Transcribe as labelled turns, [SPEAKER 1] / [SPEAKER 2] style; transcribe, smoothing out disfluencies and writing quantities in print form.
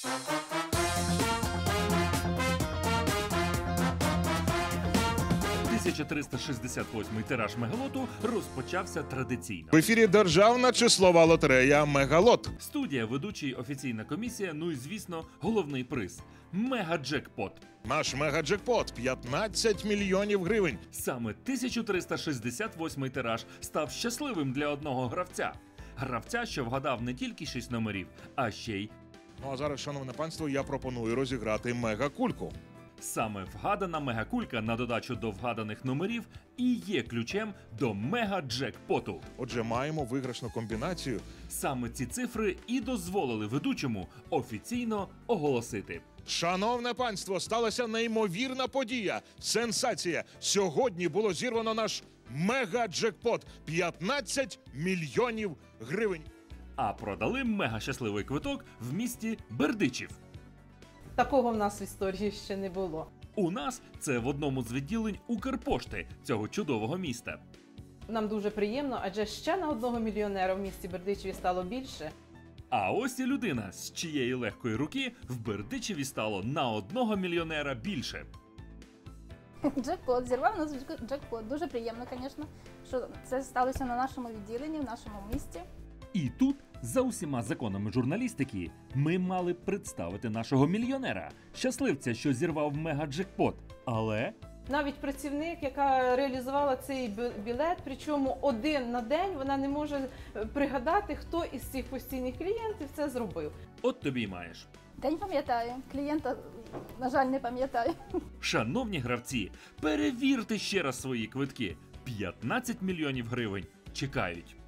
[SPEAKER 1] «1368-й тираж Мегалоту розпочався традиційно.
[SPEAKER 2] В ефірі державна числова лотерея «Мегалот».
[SPEAKER 1] Студія, ведучий, офіційна комісія, ну і, звісно, головний приз – мегаджекпот.
[SPEAKER 2] Наш мегаджекпот – 15 мільйонів гривень.
[SPEAKER 1] Саме 1368-й тираж став щасливим для одного гравця. Гравця, що вгадав не тільки 6 номерів, а ще й...
[SPEAKER 2] Ну а зараз, шановне панство, я пропоную розіграти мегакульку.
[SPEAKER 1] Саме вгадана мегакулька на додачу до вгаданих номерів і є ключем до мегаджекпоту.
[SPEAKER 2] Отже, маємо виграшну комбінацію.
[SPEAKER 1] Саме ці цифри і дозволили ведучому офіційно оголосити.
[SPEAKER 2] Шановне панство, сталася неймовірна подія. Сенсація. Сьогодні було зірвано наш мегаджекпот – 15 мільйонів гривень.
[SPEAKER 1] А продали мегащасливий квиток в місті Бердичів.
[SPEAKER 3] Такого в нас в історії ще не було.
[SPEAKER 1] У нас це в одному з відділень Укрпошти цього чудового міста.
[SPEAKER 3] Нам дуже приємно, адже ще на одного мільйонера в місті Бердичеві стало більше.
[SPEAKER 1] А ось і людина, з чиєї легкої руки в Бердичеві стало на одного мільйонера більше.
[SPEAKER 4] Джекпот, зірвав нас джекпот. Дуже приємно, звісно, що це сталося на нашому відділенні, в нашому місті.
[SPEAKER 1] І тут, за усіма законами журналістики, ми мали представити нашого мільйонера, щасливця, що зірвав мегаджекпот. Але
[SPEAKER 3] Навіть працівник, яка реалізувала цей білет, причому один на день, вона не може пригадати, хто із цих постійних клієнтів це зробив.
[SPEAKER 1] от тобі й маєш.
[SPEAKER 4] День пам'ятаю, клієнта, на жаль, не пам'ятаю.
[SPEAKER 1] Шановні гравці, перевірте ще раз свої квитки. 15 мільйонів гривень чекають.